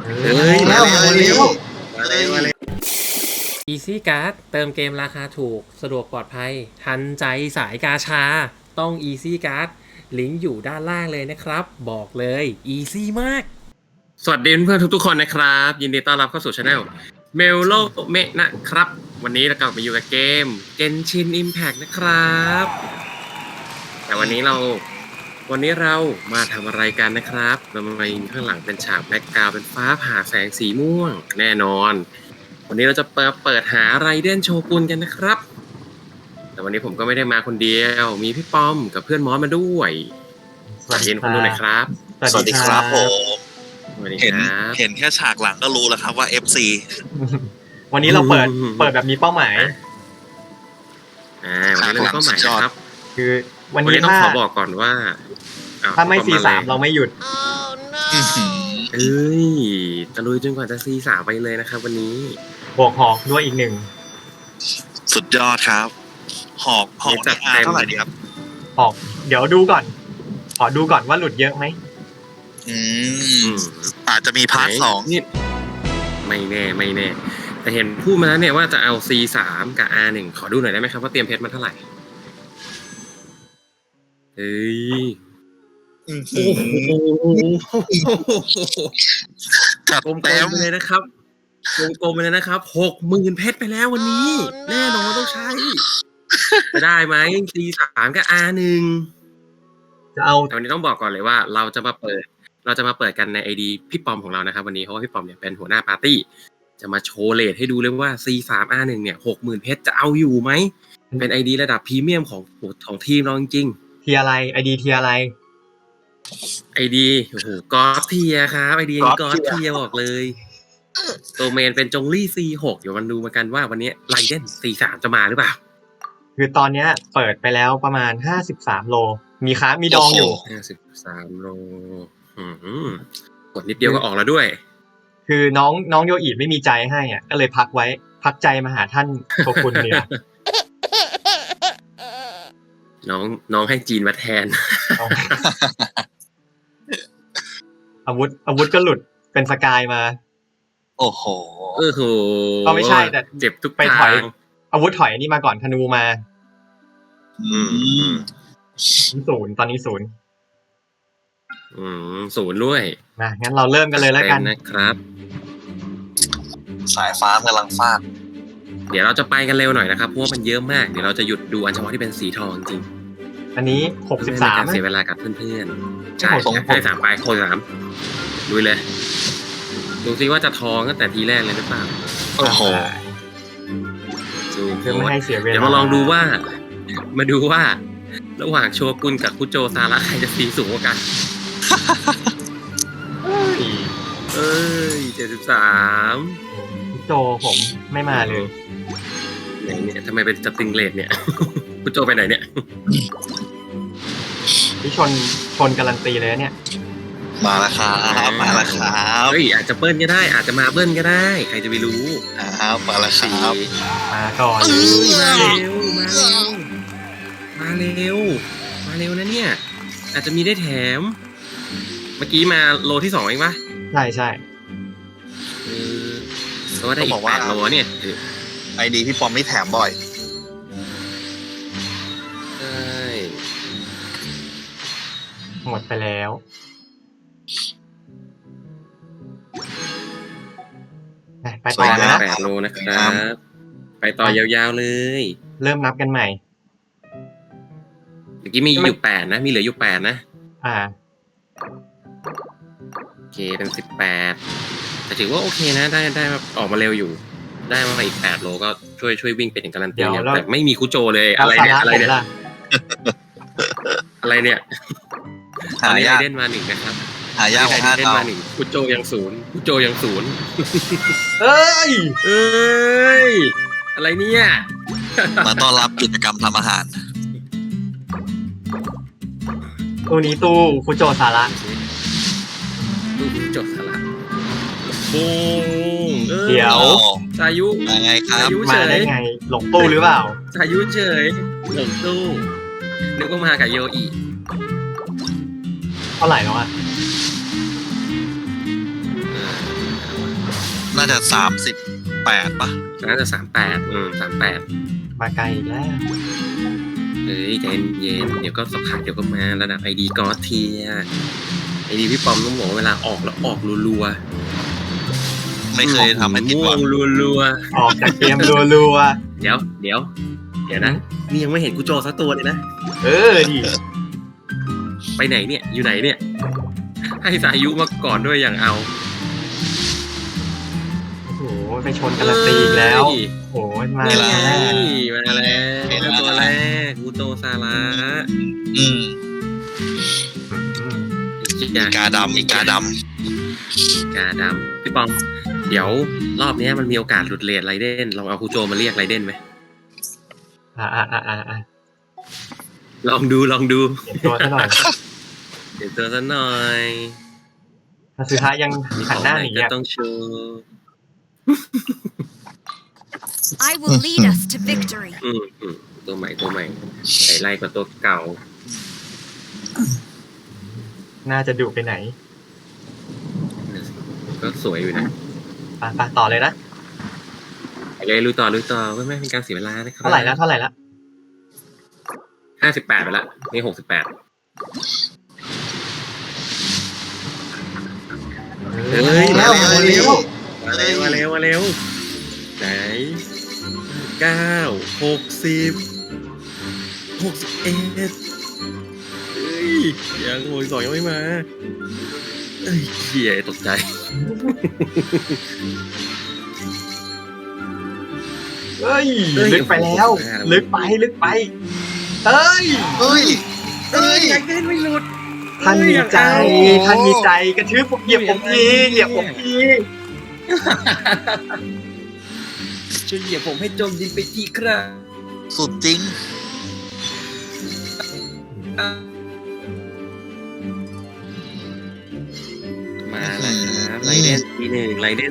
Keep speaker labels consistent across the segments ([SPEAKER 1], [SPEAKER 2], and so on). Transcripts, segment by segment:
[SPEAKER 1] เฮ้ยมาเร็วมาเร็วมาเร็วมาเร็ว
[SPEAKER 2] Easy Card เติมเกมราคาถูกสะดวกปลอดภัยทันใจสายกาชาต้อง Easy Card ลิงก์อยู่ด้านล่างเลยนะครับบอกเลย Easy มากสวัสดีเพื่อนทุกๆคนนะครับยินดีต้อนรับเข้าสู่ Channel เมลโลเมะนะครับวันนี้เรากลับมาอยู่กับเกม Genshin Impact นะครับแต่วันนี้เรามาทำอะไรกันนะครับเรามายิงข้างหลังเป็นฉากแบ็คกราวด์เป็นฟ้าผ่าแสงสีม่วงแน่นอนวันนี้เราจะเปิดหาไรเดนโชกุนกันนะครับแต่วันนี้ผมก็ไม่ได้มาคนเดียวมีพี่ป้อมกับเพื่อนมอสมาด้วยสวัสดีคนดูหน่อยครับ
[SPEAKER 3] สวัสดีครับผมเห็น
[SPEAKER 2] ครับ
[SPEAKER 3] แค่ฉากหลังก็รู้แล้วครับว่า FC
[SPEAKER 4] วันนี้เราเปิดแบบมีเป้าหมาย
[SPEAKER 2] วันนี้เราก็หมายนะครับ
[SPEAKER 4] คือวัน
[SPEAKER 2] วัน
[SPEAKER 4] นี้
[SPEAKER 2] นี้ต้องขอบอกก่อนว่า
[SPEAKER 4] ถ้าไม่ C3 เราไม่หยุด
[SPEAKER 2] เอ้ยตะลุยจนกว่าจะ C3 ไปเลยนะครับวันนี้
[SPEAKER 4] บวกหอกด้วยอีกหนึ่ง
[SPEAKER 3] สุดยอดครับ หอก
[SPEAKER 2] จัด
[SPEAKER 3] นี่
[SPEAKER 2] เต็ม
[SPEAKER 3] เท่าไหร่ดีครับ
[SPEAKER 4] หอกเดี๋ยวดูก่อนขอดูก่อนว่าหลุดเยอะไหม
[SPEAKER 3] อาจจะมีพาร์ทสอง
[SPEAKER 2] นี่ไม่แน่แต่เห็นพูดมาแล้วเนี่ยว่าจะเอา C3 กับ R1 ขอดูหน่อยได้ไหมครับว่าเตรียมเพชรมาเท่าไหร่เฮ้ยโอ้โห
[SPEAKER 3] จัด
[SPEAKER 2] กลม
[SPEAKER 3] เต็ม
[SPEAKER 2] ๆไปเลยนะครับกลมๆไปเลยนะครับ60,000เพชรไปแล้ววันนี้ แน่นอนต้องใช้จะได้ไหม C3 กับ R1
[SPEAKER 4] จะเอา
[SPEAKER 2] แต่วันนี้ต้องบอกก่อนเลยว่าเราจะมาเปิดกันใน ID พี่ปอมของเรานะครับวันนี้เพราะว่าพี่ปอมเนี่ยเป็นหัวหน้าปาร์ตี้จะมาโชว์เรทให้ดูเลยว่า C3 R1 เนี่ย 60,000เพชรจะเอาอยู่ไหมเป็น ID ระดับพรีเมียมของทีมเราจริงๆ
[SPEAKER 4] เทียอะไรไอดีเทียอะไร
[SPEAKER 2] ไอดีโอ้โหก็อดเทียครับไอดีนี้ก็อดเทียบอกเลยตัวเมนเป็นจงลี่ C6 เดี๋ยวมันดูมากันว่าวันนี้ไลเดน C3 จะมาหรือเปล่า
[SPEAKER 4] คือตอนเนี้ยเปิดไปแล้วประมาณ53โลมีค้ามีดองอยู่
[SPEAKER 2] 53โลกดนิดเดียวก็ออกแล้วด้วย
[SPEAKER 4] คือน้องโยอิไม่มีใจให้อ่ะก็เลยพักไว้พักใจมาหาท่านโชกุนเนี่ย
[SPEAKER 2] น้องให้จีนมาแทน
[SPEAKER 4] อาวุธก็หลุดเป็นสกายมา
[SPEAKER 3] โอ้โห
[SPEAKER 4] ก็ไม่ใช่แต่
[SPEAKER 2] เจ็บทุก
[SPEAKER 4] ไปถ
[SPEAKER 2] ทา
[SPEAKER 4] อย
[SPEAKER 2] ง
[SPEAKER 4] อาวุธถอยนี่มาก่อนธนูมา ศูนย์ตอนนี้ศูนย์
[SPEAKER 2] ศูนย์ด้วย
[SPEAKER 4] มางั้นเราเริ่มกันเลยแล้วกัน
[SPEAKER 2] นะครับ
[SPEAKER 3] สายฟ้ากำลังฟาด
[SPEAKER 2] เดี๋ยวเราจะไปกันเร็วหน่อยนะครับเพราะว่ามันเยอะมากเดี๋ยวเราจะหยุดดูอันเฉพาะที่เป็นสีทองจริง
[SPEAKER 4] อันนี้
[SPEAKER 2] ไม่เป็นการเสียเวลากับเพื่อนๆใช่ให้3ไป63ลุยเลยดูซิว่าจะทองตั้งแต่ทีแรกเลยหรือเปล่า
[SPEAKER 3] โอ้โห
[SPEAKER 4] เพื่อไม่ให้เสียเวลา
[SPEAKER 2] เดี๋ยวมาลองดูว่าระหว่างโชกุนกับคุโจซาระใครจะสีสูงกว่ากันเอ้ย73
[SPEAKER 4] พี่โจผมไม่มาเลย
[SPEAKER 2] ไหนเนี่ยทำไมเป็นสติงเลดเนี่ย คุโจไปไหนเนี่ย
[SPEAKER 4] พี่ชนการันตีเลยเนี่ย
[SPEAKER 3] มาแล้วครับมาแล้วครับ
[SPEAKER 2] เฮ้ยอาจจะเบิ้ลก็ได้อาจจะมาเบิ้ลก็ได้ใครจะไปรู้
[SPEAKER 3] มาแล้วครับ
[SPEAKER 4] มาก่อน
[SPEAKER 2] มาเร็วนะเนี่ยอาจจะมีได้แถมเมื่อกี้มาโลที่2เองปะ
[SPEAKER 4] ใช่
[SPEAKER 2] เพราะว่าได้อีก8โลเนี่ย
[SPEAKER 3] ไอดีพี่ปอมนี่แถมบ่อย
[SPEAKER 2] ใช่
[SPEAKER 4] หมดไปแล้วไปต่อนะ
[SPEAKER 2] 8โลนะครับไปต่อยาวๆเลย
[SPEAKER 4] เริ่มนับกันใหม่
[SPEAKER 2] เมื่อกี้มีอยู่8นะมีเหลืออยู่8นะโอเคเป็น18แต่ถือว่าโอเคนะได้ออกมาเร็วอยู่ได้มาอีก8โลก็ช่วยวิ่งเป็นอย่างการันตีเนี่ยแต่ไม่มีคุโจเลยอะไรเนี่ยอะไรเนี่ยตอนนี้ไอเดนมา1นะครับ
[SPEAKER 3] หายากกว่า
[SPEAKER 2] ไอ
[SPEAKER 3] 5
[SPEAKER 2] เดน
[SPEAKER 3] เท่า
[SPEAKER 2] มา1คุโจยัง0
[SPEAKER 4] เอ้ย
[SPEAKER 2] อะไรเนี่ย
[SPEAKER 3] มาต้อนรับกิจกรรมทำอาหาร
[SPEAKER 4] ตู้นี้ตู้ฟุโจซาระ
[SPEAKER 2] ดูคุโจสละ
[SPEAKER 4] เดี๋ยว
[SPEAKER 2] สายุ
[SPEAKER 3] มาไงครับ
[SPEAKER 4] มาได้ไงหลงตู้หรือเปล่า
[SPEAKER 2] สายุเฉยหลงตู้นึกว่ามากับโยอิ
[SPEAKER 4] เท่าไหร่แล้วอ่ะ
[SPEAKER 3] น่าจะ38ปะ
[SPEAKER 2] น่าจะ38
[SPEAKER 4] มาไกลอีกแล้ว
[SPEAKER 2] เฮ้ยใจเย็นเดี๋ยวก็สักพักเดี๋ยวก็มาระดับไอดีก็เทียไอดีพี่ปอมต้องบอกว่าเวลาออกแล้วออกรัว
[SPEAKER 3] ไม่เคยทำให้ผิดหวัง
[SPEAKER 2] รัว
[SPEAKER 4] ออกจากเกมรัว
[SPEAKER 2] ๆเดี๋ยวนะนี่ยังไม่เห็นกูโจสักตัวเลยนะ
[SPEAKER 4] ๆดิ
[SPEAKER 2] ไปไหนเนี่ยอยู่ไหนเนี่ย ให้สายุมาก่อนด้วยอย่างเอา
[SPEAKER 4] โอ้โหไปชนกันละตีอีกแล้ว
[SPEAKER 2] เฮ้ย
[SPEAKER 4] โอ้โหมา
[SPEAKER 2] นี่
[SPEAKER 4] แล้
[SPEAKER 2] ไง
[SPEAKER 4] ว
[SPEAKER 2] มาแล้วตัวแรกกูโจซาระ
[SPEAKER 3] อืม
[SPEAKER 4] อืม
[SPEAKER 3] อีกาดำ
[SPEAKER 2] กาดำพี่ปองเดี๋ยวรอบนี้มันมีโอกาสหลุดเลทไรเด่นลองเอาคูโจมาเรียกไรเด่นไหม ลองดู
[SPEAKER 4] เห็นตัวซะหน่อย
[SPEAKER 2] เดี๋ยวตัวซะหน่อย
[SPEAKER 4] คาซึฮะยังหันหน้าหนี
[SPEAKER 2] ก็
[SPEAKER 4] อ่ะ
[SPEAKER 2] ต้องโชว์
[SPEAKER 5] I will lead us to victory.
[SPEAKER 2] ตัวใหม่ใส่ไล่กว่าตัวเก่า
[SPEAKER 4] น่าจะดุไปไหน
[SPEAKER 2] ก็สวยอยู่นะ
[SPEAKER 4] ไปต่อเลยนะ
[SPEAKER 2] ไปเลยลุยต่อไม่เป็นการเสียเวลานะครับ
[SPEAKER 4] เท่าไหร่ละ
[SPEAKER 2] 58ไปละนี่68 เฮ้ย
[SPEAKER 1] มาเร็ว
[SPEAKER 2] มาเร็วไหน61เฮ้ยยังโวย2ยังไม่มาเอ้ยเหี้ยตกใจ
[SPEAKER 4] เฮ้ยลึกไปแล้ว ลึกไปเฮ้ย
[SPEAKER 1] เฮ้ย
[SPEAKER 2] อยากเล่นไม่หลุด
[SPEAKER 4] ท่านมีใจกระทืบผมเหยียบผมที
[SPEAKER 2] ช่วยเหยียบผมให้จมดินไปทีครับ
[SPEAKER 3] สุดจริง
[SPEAKER 2] มาแล้วครับไรเดนทีหนึ่ง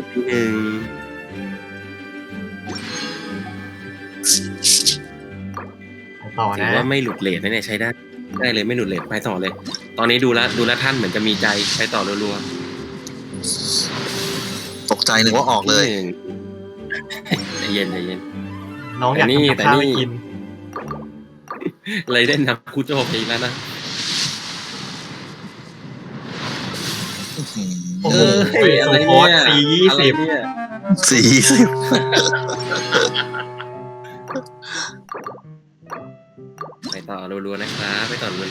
[SPEAKER 4] ต่อ
[SPEAKER 2] ถื
[SPEAKER 4] นะ
[SPEAKER 2] อว่าไม่หลุดเลทนะเนี่ยใช้ได้เลยไม่หลุดเลทไปต่อเลย ตอนนี้ดูแลวท่านเหมือนจะมีใจไปต่อรัว
[SPEAKER 3] ตกใจนึกว่าออก
[SPEAKER 2] ๆ
[SPEAKER 3] เลย
[SPEAKER 2] ใจเย็น
[SPEAKER 4] น้องอยากทำกับข้าวให้กิน
[SPEAKER 2] ไรเดนทำคูโจไปอีกแล้วนะ
[SPEAKER 4] โอ้โหสูโคส420
[SPEAKER 2] ไปต่อรัวๆนะครับ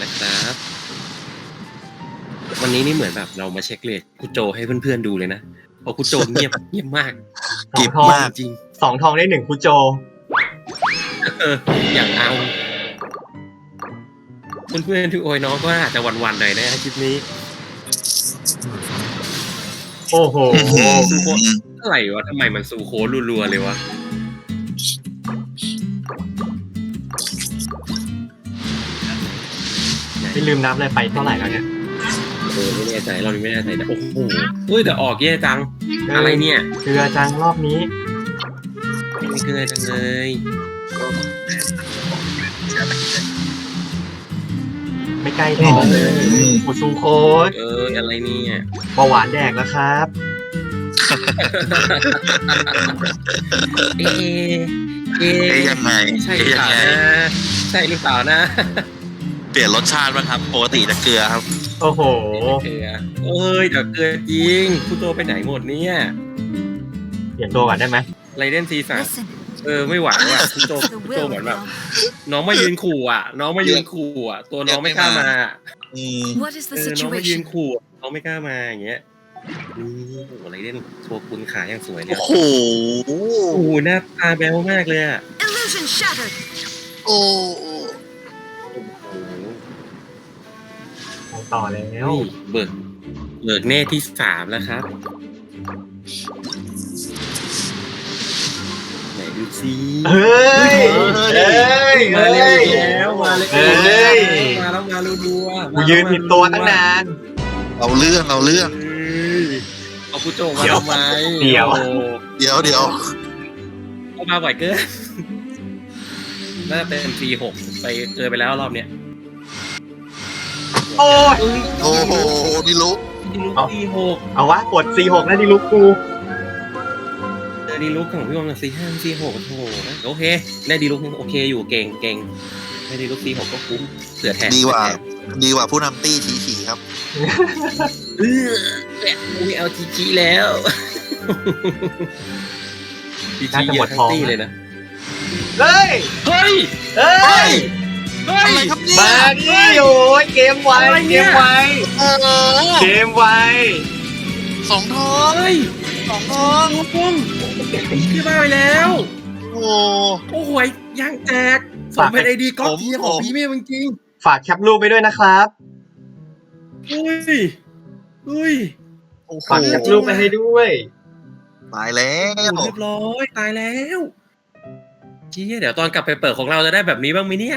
[SPEAKER 2] วันนี้นี่เหมือนแบบเรามาเช็คเลทคูโจให้เพื่อนๆดูเลยนะเพราะคูโจเงียบมาก
[SPEAKER 3] เก็บมาก
[SPEAKER 2] จริง
[SPEAKER 4] 2 ทองได้ 1คุโจ
[SPEAKER 2] อย่างเอาเพื่อนๆที่โอยน้องก็อาจจะวันๆหน่อยนะคลิปนี้
[SPEAKER 4] โอ้โห
[SPEAKER 2] อะไรวะทำไมมันซูโครัวๆเลยวะ
[SPEAKER 4] ไม่ลืมนับเลยไปเท่าไหร่แล้วเนี่ย
[SPEAKER 2] ไม่แน่ใจเราไม่แน่ใจแต่โอ้โหเฮ้ยแต่ออกแย่จังอะไรเนี่ย
[SPEAKER 4] เกลือจังรอบนี้
[SPEAKER 2] ไม่เกลือจังเลย
[SPEAKER 4] ไม่ใกล้ทองเลยอุซูโคส
[SPEAKER 2] อะไรเนี่ย
[SPEAKER 4] เบาหวานแดกแล้วครับ
[SPEAKER 2] เอ๊ะ
[SPEAKER 3] ยังไง
[SPEAKER 2] ใช่หรือเปล่านะใช่หรือเปล่านะ
[SPEAKER 3] เปลี่ยนรสชาติบ้างครับปกติจะเกลือครับ
[SPEAKER 4] โอ้โห
[SPEAKER 2] เกลือแต่เกลือจริงคุณโตไปไหนหมดเนี่ย
[SPEAKER 4] เปลี่ยนตัวก่อนได้ไหม
[SPEAKER 2] ไรเดนซีสั่ง
[SPEAKER 5] Listen
[SPEAKER 2] ไม่หวานว่ะคุณโต
[SPEAKER 5] to the
[SPEAKER 2] คุณโต
[SPEAKER 5] will
[SPEAKER 2] เหมือน
[SPEAKER 5] of
[SPEAKER 2] แบบ
[SPEAKER 5] Yom.
[SPEAKER 2] น้องมายืนขู่ตัวน้องไม่กล้ามา
[SPEAKER 5] What is the
[SPEAKER 2] น้องมายืน
[SPEAKER 5] situation?
[SPEAKER 2] ขู่น้องไม่กล้ามาอย่างเงี้ยนี่อะไรเด่นโชว์คุณขาอย่างสวยเลย
[SPEAKER 3] โอ้โห
[SPEAKER 2] โอ้โหหน้าตาแบ๊วมากเลยอ่ะ
[SPEAKER 5] Illusion shattered.
[SPEAKER 3] โอ้
[SPEAKER 4] ไปต่อแล้ว
[SPEAKER 2] นี่เบิกเน่ที่3แล้วครับไหนดูซิ
[SPEAKER 4] เฮ้ย
[SPEAKER 2] มาเร็วอีกแล้วมาเลย
[SPEAKER 4] เฮ้ย
[SPEAKER 2] มาแล้วมารัวๆ
[SPEAKER 4] กูยืนผิดตัวตั้งนาน
[SPEAKER 3] เอาเรื่อง
[SPEAKER 2] เฮ้ยเอาผู้โจมาทำไม
[SPEAKER 4] เดี๋ยว
[SPEAKER 2] โอ้
[SPEAKER 3] เดี๋ยว
[SPEAKER 2] เอามาบ่อยเกินน่าจะเป็นC6ไปเกินไปแล้วรอบเนี้ย
[SPEAKER 4] โอ้ย
[SPEAKER 3] โอ้โหนี่รู้
[SPEAKER 2] C6
[SPEAKER 4] เอาวะกด C6 แล้วดิลูกกู
[SPEAKER 2] ดีลุกของพี่บอม4 5 4 6โถโอเคได้ดีลุกโอเคอยู่เก่งได้ดีลุก4 6ก็คุ้มเสือแทน
[SPEAKER 3] ดีกว่าผู้นำตี้ฉีครับ
[SPEAKER 2] ไม่เอาจีแล้วจีเยอะทั้งตี้เลยนะ
[SPEAKER 4] เฮ้ย
[SPEAKER 2] เฮ้ย
[SPEAKER 4] เฮ้ย
[SPEAKER 3] อะไรครับเนี่ย
[SPEAKER 4] มาดิโอ้ยเกมไวเกมไว เกมไว
[SPEAKER 3] สองทอง
[SPEAKER 2] เฮ้ย
[SPEAKER 3] สองทอง
[SPEAKER 2] ลูกปุ้งพี่บ้าไปแล้ว
[SPEAKER 3] โอ้
[SPEAKER 2] โอ้โหย่างแจกสมเป็นไอดีก๊อปเทียของพี่เมย์จริง
[SPEAKER 4] ฝากแคปรูปไปด้วยนะครับ
[SPEAKER 2] เฮ้ย
[SPEAKER 4] ฝากแคปรูปไปให้ด้วย
[SPEAKER 3] ตายแล้ว
[SPEAKER 2] เรียบร้อยตายแล้วเจี๊ยเดี๋ยวตอนกลับไปเปิดของเราจะได้แบบนี้บ้างไหมเนี่ย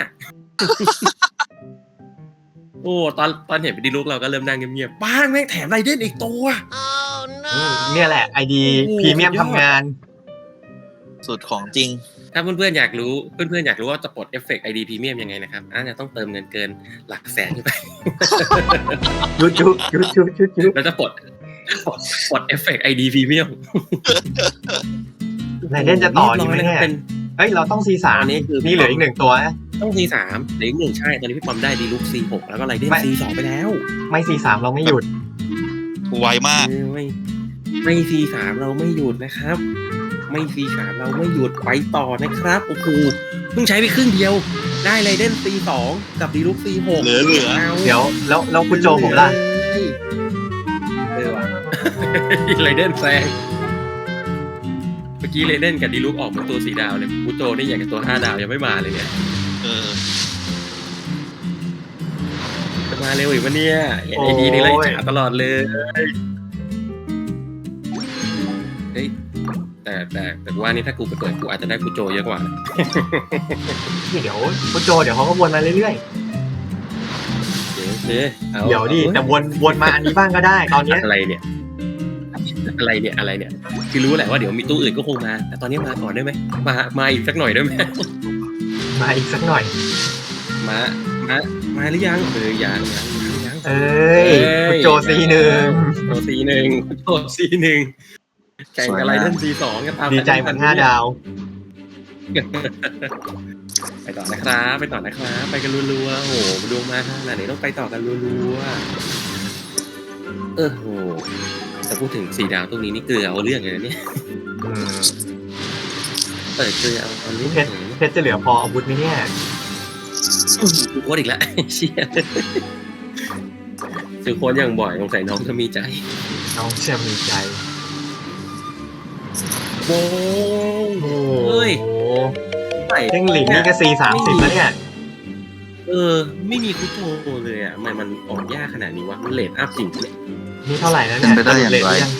[SPEAKER 2] โอ้ตอนเห็นไปดีลุกเราก็เริ่มนั่งเงียบๆป้างแม่งแถมไรเด่นอีกตัว
[SPEAKER 4] เนี่ยแหละไอดี
[SPEAKER 2] โอ้โห
[SPEAKER 4] พรีเมียมทำงาน
[SPEAKER 3] สุดของจริง
[SPEAKER 2] ถ้าเพื่อนๆอยากรู้ว่าจะปลดเอฟเฟกต์ ID พรีเมียมยังไงนะครับอาจจะต้องเติมเงินเกินหลักแสนขึ้นไป
[SPEAKER 4] ยุด
[SPEAKER 2] แล้วจะปลดเอฟเฟกต์ ID พรีเมียม
[SPEAKER 4] ไหนเล่นจะต่อดีไหม
[SPEAKER 2] รีบร้
[SPEAKER 4] เนี่ย
[SPEAKER 2] เป็น
[SPEAKER 4] เฮ้ยเราต้อง C3
[SPEAKER 2] อันนี้คือ
[SPEAKER 4] นี่เหลืออีก1ตัวนะ
[SPEAKER 2] ต้อง C3 เหลืออีก1ใช่ตอนนี้พี่ปอมได้ดีลุก C6 แล้วก็ไรเด่น C2 ไปแล้ว
[SPEAKER 4] ไม่ C3 เราไม่หยุด
[SPEAKER 3] ไวมาก
[SPEAKER 2] ไม่ C3 เราไม่หยุดนะครับ ไม่ C3 เราไม่หยุดไปต่อนะครับโอ้โหเพิ่งใช้ไปครึ่งเดียวได้ไรเด่น C2 กับดีลุก C6
[SPEAKER 3] เหลือ
[SPEAKER 4] เดี๋ยวแล้วคุณโจผมล่ะ
[SPEAKER 2] ว่ะ ไรเด่นแซงเมื่อกี้ไรเด่นกับดีลุกออกมาตัว4 ดาวเลยกูโจนี่อย่างกับตัว5 ดาวยังไม่มาเลยเนี่ย
[SPEAKER 3] เออ
[SPEAKER 2] จะมาเร็วอีกวะเนี่ยเห็นไอดีนี่ไล่จ๋าตลอดเลยเฮ้ยแต่ว่านี่ถ้ากูไปเปิดกูอาจจะได้กูโจเยอะกว่า
[SPEAKER 4] เดี๋ยวคุณโจเดี๋ยวเขาก็วนมาเรื่อย
[SPEAKER 2] โอเคอา
[SPEAKER 4] ๆเดี๋ยวดิแต่วนมาอันนี้บ้างก็ได้ตอนเนี้ย
[SPEAKER 2] อะไรเนี่ยคือรู้แหละว่าเดี๋ยวมีตู้อื่นก็คงมาแต่ตอนนี้มาก่อนได้ไหมมาอีกสักหน่อยได้ไหม
[SPEAKER 4] มาอีกสักหน่อย
[SPEAKER 2] มาหรือยังยัง
[SPEAKER 4] เอ้ยคุณโจC1
[SPEAKER 2] โจ C1 แข่งกับไรเดน C2 กันตาม
[SPEAKER 4] ดีใจเหมือน5 ดาว
[SPEAKER 2] ไปต่อนะครับไปกันรัวๆโอ้โหดวงมาขนาดนี้ต้องไปต่อกันรัวๆโหแต่พูดถึง4 ดาวตรงนี้นี่เกลือเอาเรื่องเลยนะเนี่ย เปิดเกลือเอาเรื่อง
[SPEAKER 4] เพชรจะเหลือพออาวุธไหมเนี่ย
[SPEAKER 2] กูโคตรอีกแล้วเชี่ยซื้อโค้ดอย่างบ่อยสงสัยน้องจะมีใจ
[SPEAKER 4] น้องเชื่อมีใจ
[SPEAKER 2] โอ้
[SPEAKER 4] โอ้
[SPEAKER 2] เฮ้ย
[SPEAKER 4] เด้งหลิงนี่ก็C30แล้วเนี่ย
[SPEAKER 2] ไม่มีคุโตเลยอ่ะมันออกยากขนาดนี้วะมันเลทอัพจริงเลย
[SPEAKER 4] นี่เท่าไหร่แล้วเนี่ย
[SPEAKER 3] เป็นไปได้อย่างไร
[SPEAKER 4] เลทยัง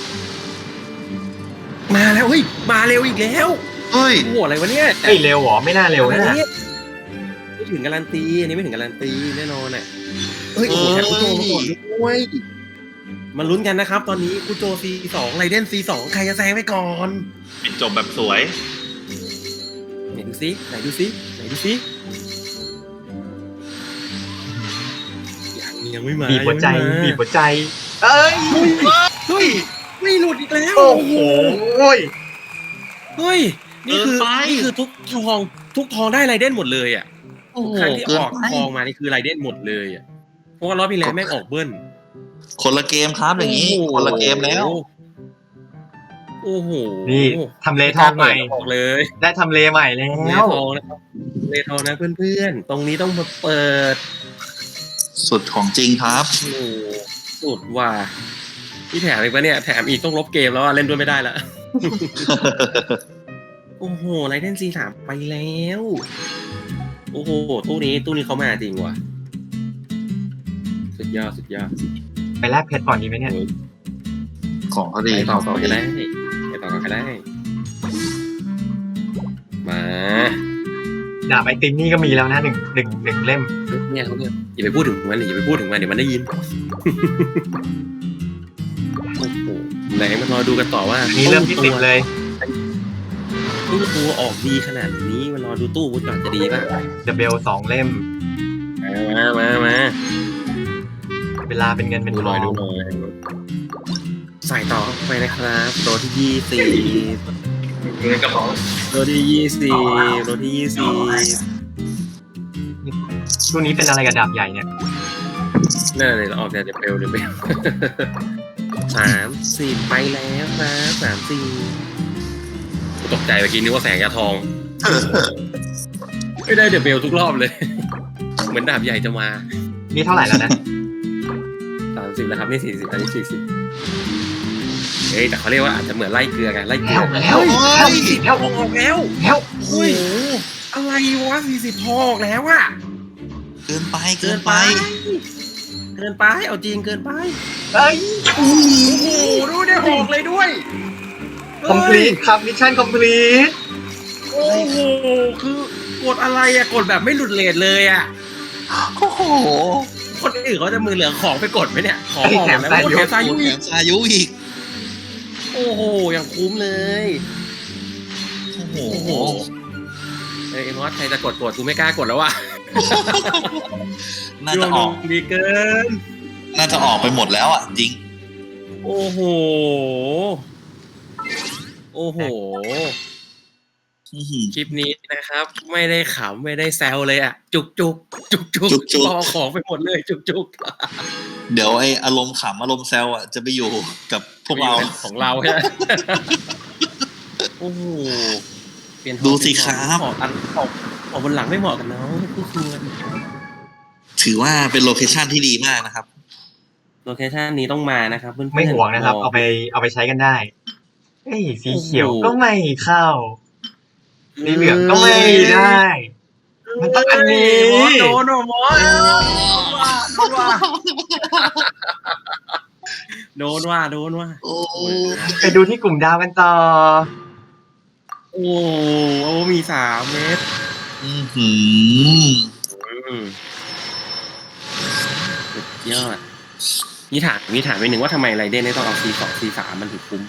[SPEAKER 2] มาแล้วเฮ้ยมาเร็วอีกแล้ว
[SPEAKER 3] เฮ้ย
[SPEAKER 2] โอ้โหอะไรวะเนี่ย
[SPEAKER 4] เฮ้ยเร็วเหรอไม่น่าเร็วนะ
[SPEAKER 2] ไม่ถึงการันตีอันนี้ไม่ถึงการันตีแน่นอนอ่ะเฮ้ยโอ้โหแถมคุโตมาก่อนด้วยมาลุ้นกันนะครับ ตอนนี้คุโต C2 ไรเดน C2 ใครจะแซงไปก่อน
[SPEAKER 6] ปิดจบแบบสวย
[SPEAKER 2] ไหนดูซิยังไม่มา
[SPEAKER 4] บีบหัวใจ
[SPEAKER 2] ยังไม่มา
[SPEAKER 4] บีบหัวใจ เอ้ย
[SPEAKER 2] เฮ้ยไม่หลุดอีกแล้ว
[SPEAKER 4] โอ้โห
[SPEAKER 2] เฮ้ยนี่คือ
[SPEAKER 6] เกินไป
[SPEAKER 2] ทุกทองได้ไรเด่นหมดเลยอ่ะ
[SPEAKER 3] โอ้โห
[SPEAKER 2] ครั้งที่
[SPEAKER 3] เกิ
[SPEAKER 2] อน อก
[SPEAKER 3] ไป
[SPEAKER 2] ทองมานี่คือไรเด่นหมดเลยอ่ะเพราะว่ารอบที่แล้วแม่งออกเบิ้ล
[SPEAKER 3] คนละเกมครับอย่างนี้
[SPEAKER 2] โอ้โห
[SPEAKER 3] คนละเกมแล้ว
[SPEAKER 2] โอ้โห
[SPEAKER 4] นี่ทำเลทองใหม่
[SPEAKER 2] ออกเลย
[SPEAKER 4] ได้ทำเลใหม่แล้
[SPEAKER 2] เล
[SPEAKER 4] ว
[SPEAKER 2] ทองนะครับเลทองนะเพื่อนๆตรงนี้ต้องมาเปิด
[SPEAKER 3] สุดของจริงครับ
[SPEAKER 2] โอ้โหสุดว่ะที่แถมอีกปะเนี่ยแถมอีกต้องลบเกมแล้วอะเล่นด้วยไม่ได้ละ โอ้โหไรเดน C3 ไปแล้ว โอ้โหตู้นี้เขามาจริงว่ะสุดยอด
[SPEAKER 4] ไปแลกเพชรก่อนดีไหมเนี่ย
[SPEAKER 3] ของเขาดี
[SPEAKER 2] ไปต่อ
[SPEAKER 3] ข
[SPEAKER 2] ก่
[SPEAKER 3] อ
[SPEAKER 2] อน
[SPEAKER 3] ง
[SPEAKER 2] ก็
[SPEAKER 3] เขา
[SPEAKER 2] ได้
[SPEAKER 3] ดี
[SPEAKER 2] มา
[SPEAKER 4] ดาบไอติมนี่ก็มีแล้วนะหนึ่งเล่ม
[SPEAKER 2] เนี่ยเขาเนี่ยอย่าไปพูดถึงมันเลยอย่าไปพูดถึงมันเดี๋ยวมันได้ยิน โอ้โหไหนมารอดูกันต่อว่า
[SPEAKER 4] อัน
[SPEAKER 2] นี่
[SPEAKER 4] นี้เริ่มที่10เลย
[SPEAKER 2] ตู้ตัวออกดีขนาดนี้มารอดูตู้วุ้นก่อนจะดีป่ะ
[SPEAKER 4] เดเบล2 เล่ม
[SPEAKER 2] มา
[SPEAKER 4] เวลาเป็นเงินเป็น
[SPEAKER 2] ดู
[SPEAKER 4] ท
[SPEAKER 2] หน่
[SPEAKER 4] อ
[SPEAKER 2] อย
[SPEAKER 4] ง
[SPEAKER 2] ดูหน่อยใส่ต่อเข้าไปนะครับตัวที่20
[SPEAKER 1] อยู่ในกระเป๋า
[SPEAKER 2] โรที่20โรที่20
[SPEAKER 4] ช่วงนี้เป็นอะไรกับดาบใหญ่เนี่ย
[SPEAKER 2] นั่นเลยเราออกจากเดบเบล30ไปแล้วครับ34ตกใจเมื่อกี้นึกว่าแสงยาทอง ไม่ได้เดบเบลทุกรอบเลย เหมือนดาบใหญ่จะมา
[SPEAKER 4] นี่เท่าไหร่แล้วนะ
[SPEAKER 2] 30แล้วครับนี่40อันนี้40เฮ้ยแต่เขาเรียกว่าอาจจะเหมือนไล่เกลือไงไล่เกลือ
[SPEAKER 4] แล้ว
[SPEAKER 2] ออกแล้ว
[SPEAKER 4] แล้ว
[SPEAKER 2] โอ้ยอะไรวะ40พอออกแล้วอะ
[SPEAKER 3] เกินไป
[SPEAKER 2] เกินไปเอาจริงเกินไป
[SPEAKER 4] เอ้ย
[SPEAKER 2] โอ้โหดูได้ออกเลยด้วย
[SPEAKER 4] คอมพลีทครับมิชชั่นคอมพลีท
[SPEAKER 2] โอ้โหคือกดอะไรอะกดแบบไม่หลุดเรทเลยอะ
[SPEAKER 3] โอ้โห
[SPEAKER 2] คนอื่นเขาจะมือเหลือของไปกดไหมเนี่ยของออกแล้วโอ้แถมซายุ
[SPEAKER 3] แถ
[SPEAKER 2] อีก
[SPEAKER 3] มซายุอีก
[SPEAKER 2] โอ้โหอย่างคุ้มเลย
[SPEAKER 3] โอ้โห
[SPEAKER 2] เอ้ยมอสใครจะกดกูไม่กล้ากดแล้วว่ะ
[SPEAKER 3] น่าจะออก
[SPEAKER 2] ดีเกิน
[SPEAKER 3] น่าจะออกไปหมดแล้วอ่ะจริง
[SPEAKER 2] โอ้โห
[SPEAKER 3] อื้อหือ
[SPEAKER 2] คลิปนี้นะครับ ไม่ได้ขำไม่ได้แซวเลยอ่ะ จุกรอของไปหมดเลยจุก
[SPEAKER 3] เดี๋ยวไออารมณ์ขำอารมณ์แซวอ่ะจะไปอยู่กับพวกเรา
[SPEAKER 2] ของเราใช่ไหมโอ้โหเปลี่ยน
[SPEAKER 3] ดูสิครับ
[SPEAKER 2] ออกบนหลังไม่เหมาะกันเนาะผู้ควร
[SPEAKER 3] ถือว่าเป็นโลเคชั่นที่ดีมากนะครับ
[SPEAKER 2] โลเคชั่นนี้ต้องมานะครับเพื่อนๆ
[SPEAKER 4] ไม่ห่วงนะครับ เอาไปใช้กันได้เอ้ยสีเขียวก็ไม่เข้าสีเหลืองก็ไม่ได้ มันต้องอันนี้
[SPEAKER 2] โดนมอสโดนว่า
[SPEAKER 3] โอ้
[SPEAKER 4] ไปดูที่กลุ่มดาวกันต่อ
[SPEAKER 2] โอ้มี3 เม็ด
[SPEAKER 3] อื้อหือ
[SPEAKER 2] สุดยอดมีถามไปหนึ่งว่าทำไมไรเดนต้องเอา C2 C3 มันถึงคุ้ม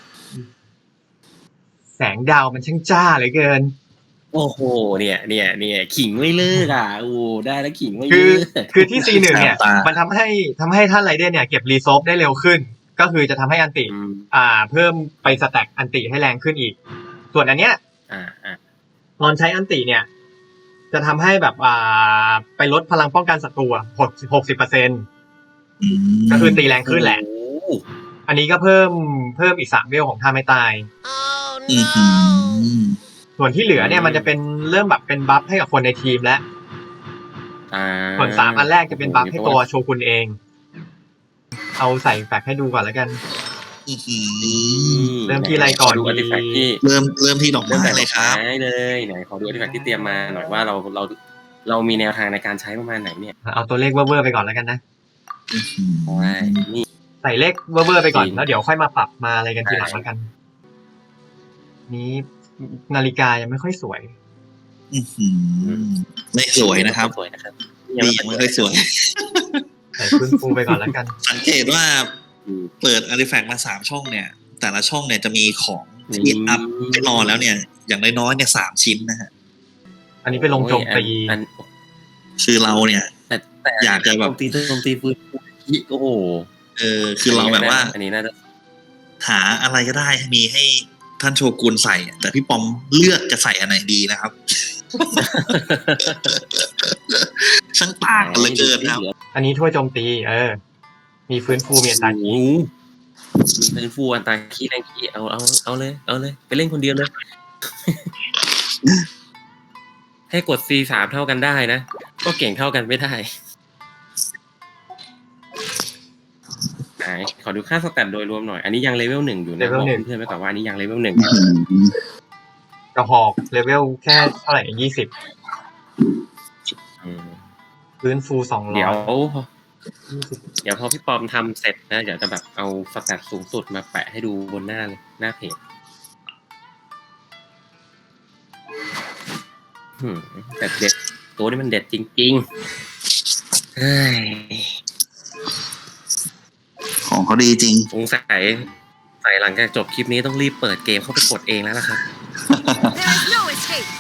[SPEAKER 4] แสงดาวมันช่างจ้าเหลือเกิน
[SPEAKER 2] โอ้โหเนี่ยขิงไม่เลิกอ่ะโอ้ได้แล้วขิงไม่
[SPEAKER 4] คื
[SPEAKER 2] เลิ
[SPEAKER 4] อก คือที่ C1 เนี่ย มันทำให้ท่านไรเดนเนี่ยเก็บรีโซฟได้เร็วขึ้น ก็คือจะทำให้อันติ เพิ่มไปสแต็กอันติให้แรงขึ้นอีก ส่วนอันเนี้ยตอนใช้อันติเนี่ย จะทำให้แบบไปลดพลังป้องกันศัตรู60%ก็คือตีแรงขึ้นแหละ อันนี้ก็เพิ่มอีก3 เวลของท่าไม่ตาย
[SPEAKER 3] อื้อหือ
[SPEAKER 4] ส่วนที่เหลือเนี่ยมันจะเป็นเริ่มแบบเป็นบัฟให้กับคนในทีมแล้วส่วน3 อันแรกจะเป็นบัฟให้ตัวโชกุนเอง เอาใส่แฟกให้ดูก่อนแล้วกัน
[SPEAKER 3] อื้อหือ
[SPEAKER 4] เริ่มที่อะไรก่อน
[SPEAKER 2] ดูอาร์ติแฟกต์ที่
[SPEAKER 3] เริ่มที่ดอกไม้เลยครับ
[SPEAKER 2] เลยไหนขอดูอาร์ติแฟกต์ที่เตรียมมาหน่อยว่าเรามีแนวทางในการใช้ประมาณไหนเนี่ย
[SPEAKER 4] เอาตัวเลขเว่อร์ๆไปก่อนแล้วกันนะ
[SPEAKER 2] นี่
[SPEAKER 4] ใส่เลขเว่อร์ๆไปก่อน
[SPEAKER 2] จริง
[SPEAKER 4] แล้วเดี๋ยวค่อยมาปรับมาอะไรกันทีหลังแล้วกัน นี้นาฬิกายังไม่ค่อยสวย
[SPEAKER 3] อื้อหือไม่สวยนะครับ
[SPEAKER 2] สวยนะครับ
[SPEAKER 3] ดียังไม่ค่อยสวย
[SPEAKER 4] ใส่ฟื้นฟูไปก่อนแล้วกัน
[SPEAKER 3] สังเกตว่าเปิดอาร์ติแฟกต์มา3 ช่องเนี่ย แต่ละช่องเนี่ยจะมีของที่อัพให้รอแล้วเนี่ย อย่างน้อยๆเนี่ย3 ชิ้นนะฮะ
[SPEAKER 4] อันนี้ไปลงโจมตี
[SPEAKER 3] คือเราเนี่ย
[SPEAKER 2] แต่
[SPEAKER 3] อยากจะแบบ
[SPEAKER 2] โจมตีฟื้นโอ้โห
[SPEAKER 3] คือเราแบบว่า
[SPEAKER 2] อันนี้น่าจะ
[SPEAKER 3] หาอะไรก็ได้มีให้ท่านโชกุนใส่ แต่พี่ปอมเลือกจะใส่อันไหนดีนะครับ ช่างต่างกันเหลยเกินครับ
[SPEAKER 4] อันนี้ถ้วยโจมตี มีฟื้นฟูมีอัตรา
[SPEAKER 2] โอ้โหมีฟื้นฟูอันตราขี้แรงขี้เอาเลยไปเล่นคนเดียวเลย ให้กด C3 เท่ากันได้นะก็เก่งเท่ากันไม่ได้ไหนขอดูค่าสแตทโดยรวมหน่อยอันนี้ยังเลเวล 1อยู่นะบอกเพื่อนๆไปก่อนว่าอันนี้ยังเลเวล 1
[SPEAKER 4] กระหอกเลเวลแค่เท่าไหร่20ฟื้นฟู200
[SPEAKER 2] เดี๋ยวพอพี่ปอมทำเสร็จนะเดี๋ยวจะแบบเอาสแตทสูงสุดมาแปะให้ดูบนหน้าเลยหน้าเพจแต่เด็ดตัวนี้มันเด็ดจริงๆเฮ้ย
[SPEAKER 3] ของเขาดีจริง
[SPEAKER 2] สงสัยหลังจากจบคลิปนี้ต้องรีบเปิดเกมเข้าไปกดเองแล้วล่ะครับ
[SPEAKER 5] There is no escape.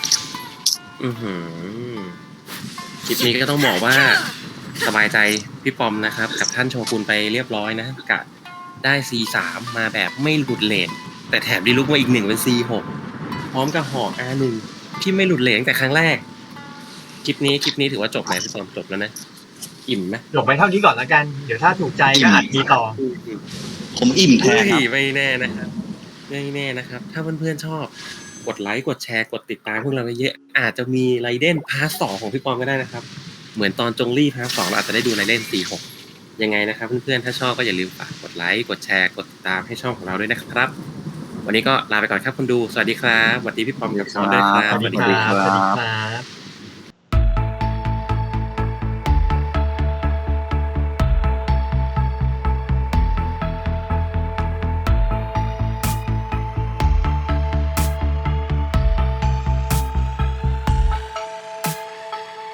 [SPEAKER 2] คลิปนี้ก็ต้องบอกว่าสบายใจพี่ปอมนะครับกับท่านโชกุนไปเรียบร้อยนะกะได้ C3 มาแบบไม่หลุดเลน
[SPEAKER 6] แต่แถมดีลุกมาอีก1เป็น C6 พร้อมกับหอก R1 ที่ไม่หลุดเหลงแต่ครั้งแรกคลิปนี้ถือว่าจบไหมพี่ปอมจบแล้วนะอิ่มไหม
[SPEAKER 4] จบไปเท่านี้ก่อนแล้วกันเดี๋ยวถ้าถูกใจก็อาจมีต่อ
[SPEAKER 3] ผมอิ่มแทนครับ
[SPEAKER 6] ไม่แน่นะครับถ้าเพื่อนๆชอบกดไลค์กดแชร์กดติดตามพวกเราเยอะอาจจะมีไรเดนพาร์ท 2ของพี่ปอมก็ได้นะครับเหมือนตอนจงลี่พาร์ท 2เราอาจจะได้ดูไรเดน 46ยังไงนะครับเพื่อนๆถ้าชอบก็อย่าลืมฝากกดไลค์กดแชร์กดติดตามให้ช่องของเราด้วยนะครับวันนี้ก็ลาไปก่อนครับคนดูสวัสดีครับสวัสดีพี่ปอมกับพี่ปอมด้วยครับ
[SPEAKER 4] สวัสดีครับ